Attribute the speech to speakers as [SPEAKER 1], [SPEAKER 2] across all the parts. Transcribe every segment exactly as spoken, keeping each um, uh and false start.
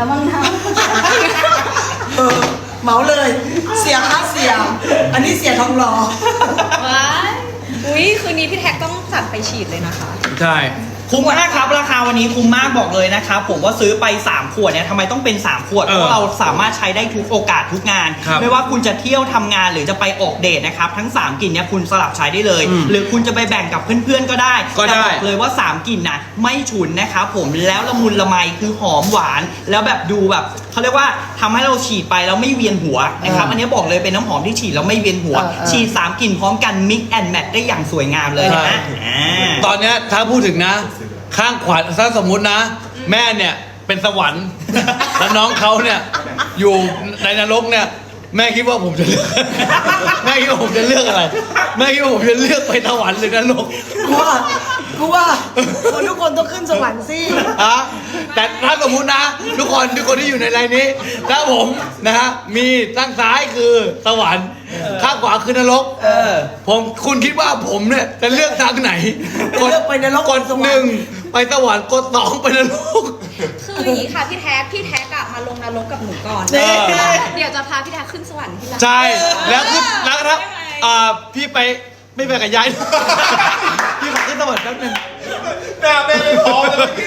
[SPEAKER 1] แล้วมั้งนะ
[SPEAKER 2] เออเหมาเลยเสียค่าเสียอันนี้เสียทองรอ
[SPEAKER 3] ว้ายอุ้ยคืนนี้พี่แท็กต้องจัดไปฉีดเลยนะคะ
[SPEAKER 4] ใช่
[SPEAKER 5] คุ้มมากครับราคาวันนี้คุ้มมากบอกเลยนะครับผมว่าซื้อไปสามขวดเนี่ยทำไมต้องเป็นสามขวด
[SPEAKER 4] เออ
[SPEAKER 5] เพราะเราสามารถใช้ได้ทุกโอกาสทุกงาน
[SPEAKER 4] ครับ
[SPEAKER 5] ไม่ว่าคุณจะเที่ยวทำงานหรือจะไปออกเดทนะครับทั้งสามกลิ่นเนี่ยคุณสลับใช้ได้เลย
[SPEAKER 4] อืม
[SPEAKER 5] หรือคุณจะไปแบ่งกับเพื่อนๆก็ได้
[SPEAKER 4] ก็ได้
[SPEAKER 5] แต่บอกเลยว่าสามกลิ่นนะไม่ฉุนนะครับผมแล้วละมุนละไมคือหอมหวานแล้วแบบดูแบบเขาเรียกว่าทำให้เราฉีดไปแล้วไม่เวียนหัวนะครับ
[SPEAKER 2] เอออั
[SPEAKER 5] อันนี้บอกเลยเป็นน้ำหอมที่ฉีดแล้วไม่เวียนหัว
[SPEAKER 2] เออเออ
[SPEAKER 5] ฉีดสามกลิ่นพร้อมกัน mix and match ได้อย่างสวยงามเลยนะฮะอ่า
[SPEAKER 4] ตอนเนี้ยถ้าพูดถึงนะ ข้างขวาถ้าสมมุตินะ แม่เนี่ยเป็นสวรรค์ แล้วน้องเขาเนี่ยอยู่ในนรกเนี่ย แม่คิดว่าผมจะเลือก แม่คิดว่าผมจะเลือกอะไร แม่คิดว่าผมจะเลือกไปสวรรค์หรือนรก
[SPEAKER 2] กูว่ากูว่าคนทุกคนต้องขึ้นสวรรค์สิ
[SPEAKER 4] อะแต่ถ้าสมมุตินะ ทุกคนทุกคนที่อยู่ในไลน์นี้ ถ้าผมนะฮะมีข้างซ้ายคือสวรรค์ข้างขวาคือนรก
[SPEAKER 5] เออ
[SPEAKER 4] ผมคุณคิดว่าผมเนี่ยจะเลือกทางไหน
[SPEAKER 2] จะเลือกไปนรก
[SPEAKER 4] กด
[SPEAKER 2] สวรรค์
[SPEAKER 4] หนึ่งไปสวรรค์กดสองไปนรก
[SPEAKER 3] คืออย่างนี้ค่ะพี่แท็กพี่แท็กอะมาลงนรกกับหนูก่อน
[SPEAKER 4] เออ
[SPEAKER 3] เดี๋ยวจะพาพี่แท็กขึ้นสวรรค์ที่หลัง
[SPEAKER 4] ใช่แล้วคือแล้วครับอ่าพี่ไปไม่ไปกับยาย พี่ขอขึ้นสวรรค์แป๊บนึง
[SPEAKER 6] หน้าแม่ไม่พอเลยเมื่อกี้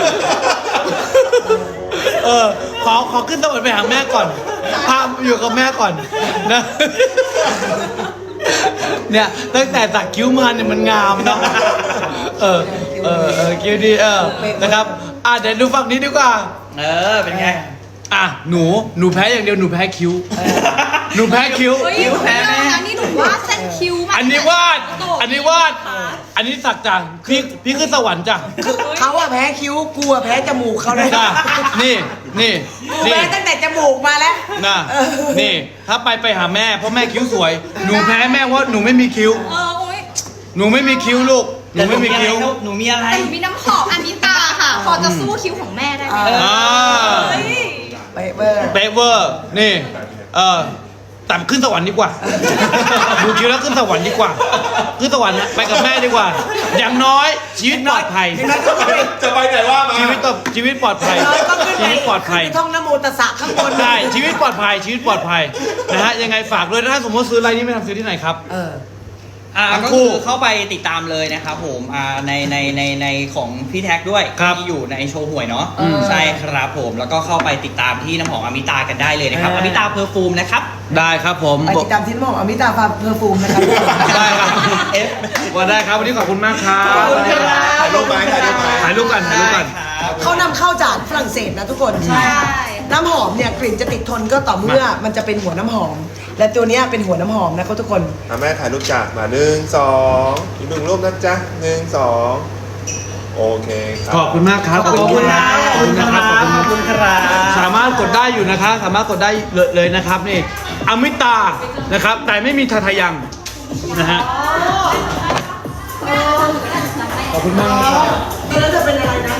[SPEAKER 4] เออขอขอขึ้นสวรรค์ไปหาแม่ก่อนพาอยู่กับแม่ก่อนนะ เนี่ยตั้งแต่สักคิ้วมาเนี่ยมันงามเนาะเออเออเออคิ้วดีเออนะครับอ่ะเดี๋ยวดูฝั่งนี้ดีกว่า
[SPEAKER 5] เออ เป็นไง
[SPEAKER 4] อ่ะหนูหนูแพ้อย่างเดียวหนูแพ้คิ้วหนูแพ้คิ้ว
[SPEAKER 3] เฮ้ย
[SPEAKER 5] คิ้วแพ้ไหม
[SPEAKER 3] อันนี้หนูวาดเส้นคิ้วมา
[SPEAKER 4] อันนี้วาด อันนี้วาด อันนี้สักจ้ะพี่พี่ขึ้นสวรรค์จ้ะ
[SPEAKER 2] เขาอะแพ้คิ้วกูอะแพ้จมูกเขาเลย
[SPEAKER 4] จ้ะนี่นี่
[SPEAKER 2] กู
[SPEAKER 4] นี่
[SPEAKER 2] แพ้ตั้งแต่จมูกมาแล้ว
[SPEAKER 4] นะนี่ ถ้าไปไปหาแม่เพราะแม่คิ้วสวย หนูแพ้แม่เพราะหนูไม่มีคิ้ว
[SPEAKER 3] เออโอ้ย
[SPEAKER 4] หนูไม่มีคิ้วลูก หนูไม่มีคิ้ว
[SPEAKER 5] หนูมีอะไร
[SPEAKER 3] แต่หนูมีน้ำหอมอันนี้ตาค่ะ พอจะสู้คิ้วของแม่ได้ไหม
[SPEAKER 2] เออ
[SPEAKER 4] อ่า
[SPEAKER 3] เฮ้ย
[SPEAKER 2] ไปเบอร์
[SPEAKER 4] เปเวอร์ นี่ เออแต่ขึ้นสวรรค์ดีกว่า ดูคิ้วแล้วขึ้นสวรรค์ดีกว่า ขึ้นสวรรค์ไปกับแม่ดีกว่า อย่างน้อยชีวิตปลอดภัย
[SPEAKER 2] อย่างนั้นก็ไป
[SPEAKER 6] จะไปไหนว่ามา
[SPEAKER 4] ชีวิตต่อชีวิตปลอดภัย
[SPEAKER 2] ก็ขึ้น
[SPEAKER 4] ชี
[SPEAKER 2] ไป
[SPEAKER 4] วิตปลอดภัย
[SPEAKER 2] ขึ้นไปท่องนะโมตัสสะข้างบน
[SPEAKER 4] ใช่ชีวิตปลอดภัย ชีวิตปลอดภัยนะฮะยังไงฝากด้วยถ้าสมมติซื้ออะไรนี้ไม่ทำซื้อที่ไหนครับ
[SPEAKER 2] เออ
[SPEAKER 5] อ่า
[SPEAKER 4] ทั้ง
[SPEAKER 5] ก็
[SPEAKER 4] คู่
[SPEAKER 5] คือเข้าไปติดตามเลยนะครับผมอ่าในในในในของพี่แท็กด้วย
[SPEAKER 4] ครับ
[SPEAKER 5] ที่อยู่ในโชว์หวยเนาะ
[SPEAKER 2] อืม
[SPEAKER 5] ใช่ครับผมแล้วก็เข้าไปติดตามที่น้ำหอมอมิตากันได้เลยนะครับ
[SPEAKER 2] เอ
[SPEAKER 5] อ
[SPEAKER 2] อ
[SPEAKER 5] มิตาเพอร์ฟูมนะครับ
[SPEAKER 4] ได้ครับผม
[SPEAKER 2] ไปติดตามที่น้ำหอมอมิตาฟาเพอร์ฟูมนะครับ
[SPEAKER 4] ได้ครับ
[SPEAKER 5] เอฟ
[SPEAKER 4] ว่าได้ครับวันนี้ขอบคุณมากครับ
[SPEAKER 2] ขอบคุณครับ
[SPEAKER 6] ถ่ายรูปไหมถ่ายรูปไหม
[SPEAKER 4] ถ่ายรูปกันถ่ายรูปกัน
[SPEAKER 5] ครับ
[SPEAKER 2] เขานำเข้าจากฝรั่งเศสนะทุกคน
[SPEAKER 3] ใช่
[SPEAKER 2] น้ำหอมเนี่ยกลิ่นจะติดทนก็ต่อเมื่อมันจะเป็นหัวน้ำหอม และตัวเนี้ยเป็นหัวน้ำหอมนะครับทุกคน
[SPEAKER 6] อ่ะแม่ถ่ายรูปจากมาหนึ่งสองอีกหนึ่งรูปนะจ๊ะหนึ่งสองโอเคครับ
[SPEAKER 4] ขอบคุณมากครับ
[SPEAKER 2] ขอบคุณครับ
[SPEAKER 4] ขอบคุณนะครับขอบคุณ
[SPEAKER 5] ขอบคุณครับ
[SPEAKER 4] สามารถกดได้อยู่นะครับสามารถกดได้เลยเลยนะครับนี่อมิตานะครับ แต่ไม่มีทาทายังนะฮะขอบคุณมากนะครับ
[SPEAKER 2] แล้วจะเป็นอะไรนะ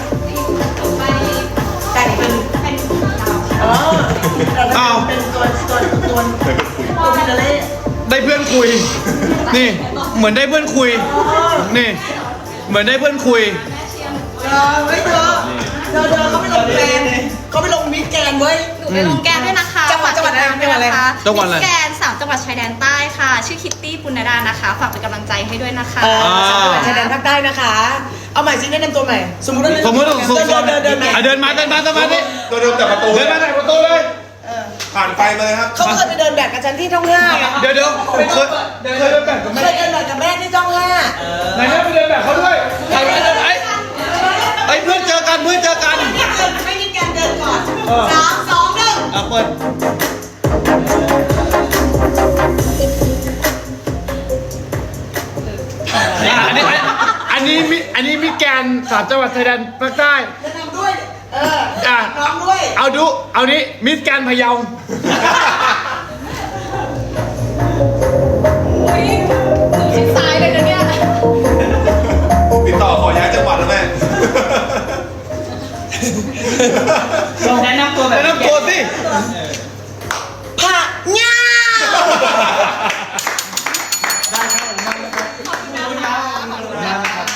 [SPEAKER 2] แต่งเป็นอ๋อเป็นตัวตัวตัวตัวฟินาเล่
[SPEAKER 4] ได้เพื่อนคุย นี่เหมือนได้เพื่อนคุยนี่ เหมือนได้เพื่อนคุย
[SPEAKER 2] เออเฮ้ยเธอเธอเธอเขาไปลงแกนเขาไปลงมิสแกนเว้ย
[SPEAKER 3] หนูไปลงแกนด้วยนะคะ
[SPEAKER 2] จังหวัดจังหวัดอะไร
[SPEAKER 3] ฝากติดตามด้วยนะคะ
[SPEAKER 4] จังหวัดอะไร
[SPEAKER 3] มิสแกนสามจังหวัดชายแดนใต้ค่ะ ชื่อคิตตี้ปุณณดานะคะ ฝากเป็นกำลังใจให้ด้วยนะคะ
[SPEAKER 2] เออจังหวัดชายแดนภาคใต้นะคะ เอาใหม่สิแนะนำตัวใหม่ สมมติว่า
[SPEAKER 4] สมมติว่าสมมติ
[SPEAKER 2] เดินเดินเดินเดิน
[SPEAKER 4] อ่ะเดินมาเดินมาเดินมาดิ
[SPEAKER 6] ตัวเดิมจากประตู
[SPEAKER 4] เดินมาไหนประตูเลย
[SPEAKER 6] ผ่านไฟมาเลยครับ
[SPEAKER 2] เขาเคยไปเดินแบบกับฉันที่ช่องห้าไง
[SPEAKER 4] เดี๋ยวเดี๋ยวเคยเคยเดินแบบกับ
[SPEAKER 2] เค
[SPEAKER 4] แม่
[SPEAKER 2] ยเดินแบบกับแม่ที่ช่องห้า
[SPEAKER 4] ไหนแม่ไปเดินแบบเขาด้วยใครไปเดินไอ้ไอ้เพื่อนเจอกันเพื่อนเจอกัน
[SPEAKER 2] ไม่มีการเดินก่อน
[SPEAKER 4] เออ
[SPEAKER 2] สามสองหนึ่ง
[SPEAKER 4] อ่ะเปิดอ่ะอันนี้อันนี้มิอันนี้มิแกนสามจังหวัดชายแดนภาคใต้
[SPEAKER 2] แนะนำด้วย เออ
[SPEAKER 4] อ่ะ
[SPEAKER 2] พร้อมด้วย
[SPEAKER 4] เอาดูเอานี้มิสแกนพะเยา
[SPEAKER 3] ชิดซ้ายเลยนะเนี่ย
[SPEAKER 6] ติดต่อขอย้ายจังหวัดแล้วแม่
[SPEAKER 5] ลองแนะนำตัวแบบ
[SPEAKER 4] แนะนำตัวสิ
[SPEAKER 2] ผักง่า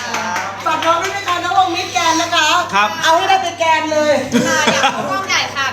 [SPEAKER 2] ฝากน้องด้วยนะคะน้องวงมิสแกนนะคะ
[SPEAKER 4] ครับ
[SPEAKER 2] เอาให้ได้ไปแกนเลย
[SPEAKER 3] ค่ะอยากเข้ากล้องใหญ่ค่ะ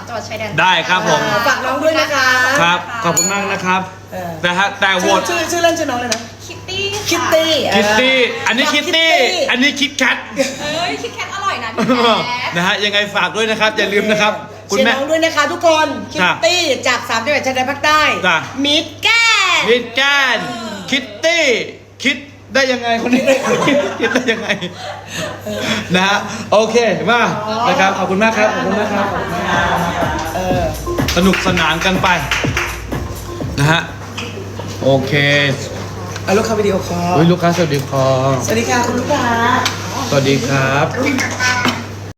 [SPEAKER 3] จังหวัดชายแดน
[SPEAKER 4] ได้ครับผม
[SPEAKER 2] อ่าฝากน้องด้วยนะคะ
[SPEAKER 4] ครับ ขอบคุณมากนะครับ
[SPEAKER 2] เออ
[SPEAKER 4] แต่ฮะแต่โหว
[SPEAKER 2] ชื่อ
[SPEAKER 4] ต
[SPEAKER 2] ชื่อชื่อเล่นชื่อน้องเลยนะ
[SPEAKER 3] คิตตี้
[SPEAKER 2] คิตตี้
[SPEAKER 4] คิตตี้ อันนี้
[SPEAKER 2] น้ง
[SPEAKER 4] คิตตี้ อันนี้คิดแคท
[SPEAKER 3] เอ้ยคิดแคทอร่อยนะพี่แจ๊ค
[SPEAKER 4] นะฮะ ยังไงฝากด้วยนะครับ อย่าลืมนะครับ คุณ
[SPEAKER 2] เชียร์
[SPEAKER 4] แม่
[SPEAKER 2] น้องด้วยนะคะทุกคนคิ
[SPEAKER 4] จ้ะ
[SPEAKER 2] ตตี้จากสามจังหวัดชายแดนภาคใต้
[SPEAKER 4] จ้ะ
[SPEAKER 2] มิดแกน
[SPEAKER 4] คิดแกนคิตตี้ คิดได้ยังไงคนนี้ คิดได้ยังไง นะฮะ โอเค มานะครับ ขอบคุณมากครับ ขอบคุณมากครับ
[SPEAKER 2] เออ
[SPEAKER 4] สนุกสนานกันไป นะฮะ โอเค
[SPEAKER 2] เอาลูกค้าวิดีโอคอล
[SPEAKER 4] เฮ้ยลูกค้าสวัสดีครับ
[SPEAKER 2] สวัสดีค่ะคุณลูกค้า
[SPEAKER 4] สวัสดีครับ